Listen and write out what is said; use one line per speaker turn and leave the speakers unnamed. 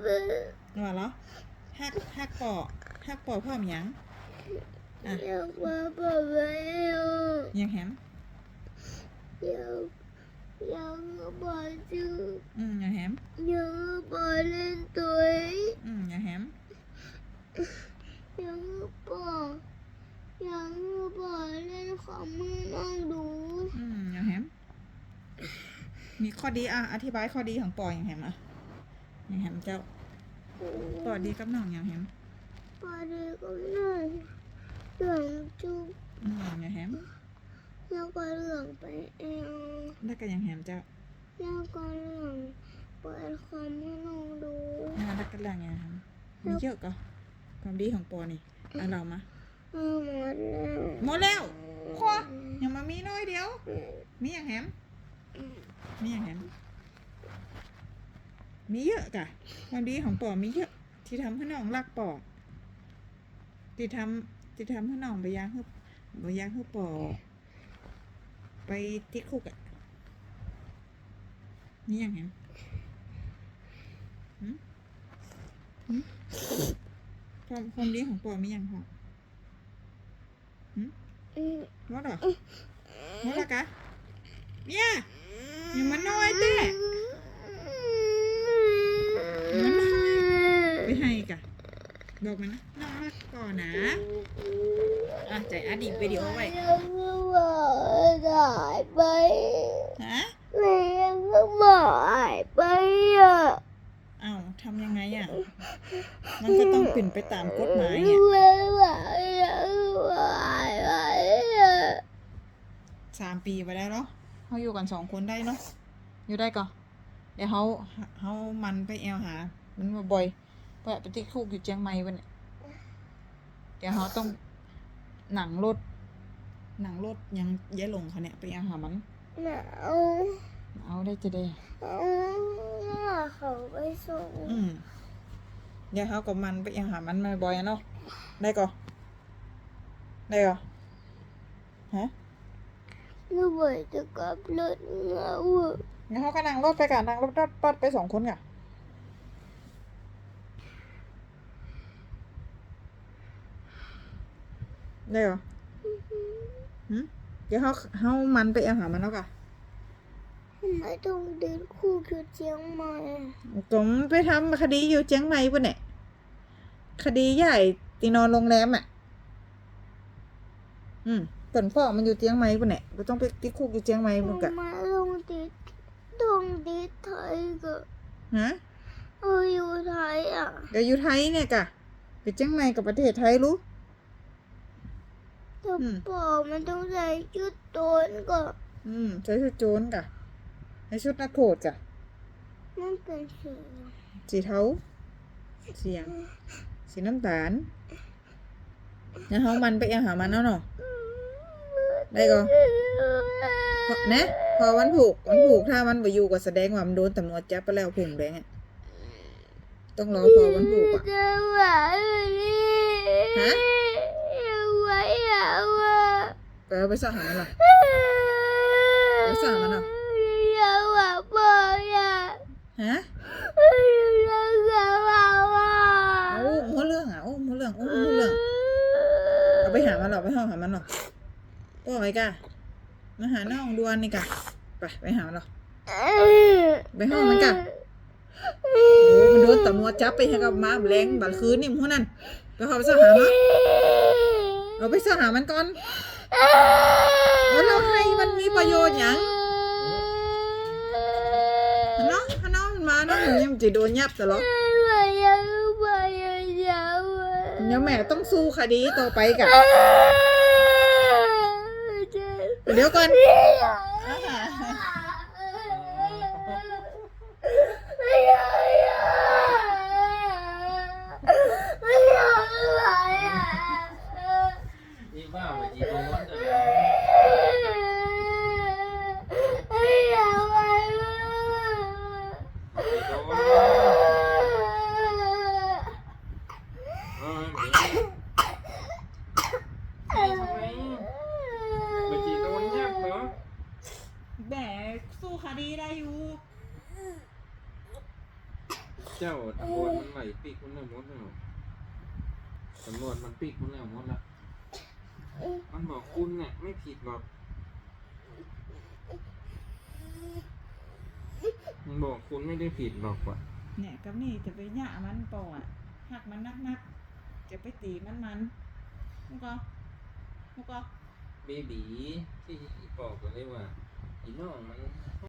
ว่าเหรอฮักปอพ่อมยังอ่ะ
ยังมาบอกไม่เอา
ยังแฮม
ยังบอกชื่อ
ยังแฮม
ยังบอกเล่นตัวเอง
ยังแฮม
ยังบอกเล่นของมือน้องดู
ยังแฮมมีข้อดีอธิบายข้อดีของปอยังแฮมยังแฮมเจ้าปอดีกับน้องยังแฮม
พอดีก็หน่อยเหลืองจุก
ยังแฮม
แล้วก็เหลืองไปเอง
แล้วก็ยังแฮมเจ้า
แล้วก็เหลืองเปิดของมือน้องดู
แล้วก็เรื่องยังแฮมมีเยอะก็ความดีของปอนี่เรามา
หมดแล้ว
หมดแล้วพอยังมามีน้อยเดียวมีอย่างแฮมมีอย่างแฮมมีเยอะกะความดีของปอมีเยอะที่ทำให้น้องรักปอที่ทำให้น้องไปย่างให้ปอไปติดคุกอ่ะมีอย่างแฮมความดีของปอมีอย่างหรอว่าหรอว่าละกะเนี่ยยังมันน้อยเต้ไปให้กะบอกมันนะน้องรักก่อนนะใจอดีตวิดีโอไว้
ยังก็บอกหายไป
ฮะ
ยังก็บอกหายไปอ่ะ
ทำยังไงอ่ะมันก็ต้องเป็นไปตามกฎหมายอ่ะ 3 ปีไปได้เนาะเขาอยู่กัน2 คนได้เนาะอยู่ได้ก่อนเดี๋ยวเขามันไปแอลหามันมาบ่อยไปติดคุกอยู่เชียงใหม่วันนี้เดี๋ยวเขาต้องหนังรถยังย้ายลงเขาเนี่ยไปแอลหามัน
หนาว
เอาได้จะได้
เขาไปส่ง
เดี๋ยวเขากับมันไปแอลหามันมาบ่อยเนาะได้ก่อนได้ก่อนฮะ
ลูกเบยจะกลับรถเหงา
งั้นเขาก็นั่งรถไปกันนั่งรถปัดไป2 คนกันได้เหรอเดี๋ยวเขามันไปเอาหามันแล้วกัน
ไม่ต้องเดินคู่คือเชียงใหม่
ผมไปทำคดีอยู่เชียงใหม่ป่ะเนี่ยคดีใหญ่ตีนอนโรงแรมผลฟ้องมันอยู่เชียงใหม่ป่ะเนี่ยเราต้องไปติดคุกอยู่เชียงใหม่ป่ะกะ
มาลงติดไทยก็
ฮะ
อยู่ไทยอ่ะ
เดี๋ยวอยู่ไทยเนี่ยกะไปเชียงใหม่กับประเทศไทยรู้
แต่บอกมันต้องใส่ชุดโตนก็
ใช้ชุดโจรกะใช้ชุดนักโทษกะ
มันเป็นสี
สีเทาสีน้ำตาลแล้วเขามันไปเอาหามันแล้วเนาะได้ก่อนนะพอวันผูกถ้ามันไปอยู่ก็แสดงว่ามันโดนตำรวจจับไปแล้วผงแดงต้องรอพอวันผูกอ่ะ
จะหวานนี่
ฮะ
ไว้อะ
ไปเอาไปสอบหามันหรอไปสอบมันหรอ
อย่าหวานบอกอย่า
ฮะ
อย่าหวานว่า
หัวเรื่องหัวเรื่องเอาไปหามันหรอไปห้องหามันหรอก็ไปกะมาหาน้องดวนนี่กะไปหามันหรอไปห้องมันกะมันโดนตำรวจจับไปให้กับมาแรงบัดคืนนี่พวกนั้นไปขอไปสอบหามันเราไปสอบหามันก่อนแล้วเราให้มันมีประโยชน์อย่างเนาะถ้าน้องมันมาเนาะมันยังจะโดนยับตลอดเดี๋ยวแม่ต้องสู้คดีต่อไปกะเดี๋ยวก่อน
อีบ้าไปจีบมันจะไปจีโดนยับเหรอวจมันไหลปีกมันแล้วหมดแล้วตำรวจมันปีกมันแล้วหมดละมันบอกคุณเนี่ยไม่ผิดหรอกมันบอกคุณไม่ได้ผิดหรอกว่ะ
เนี่ยกับนี่จะไปหย่ามันปออ่ะหักมันนักจะไปตีมันมุกก็
เบบีที่บอกกันเลยว่าอีน้องมัน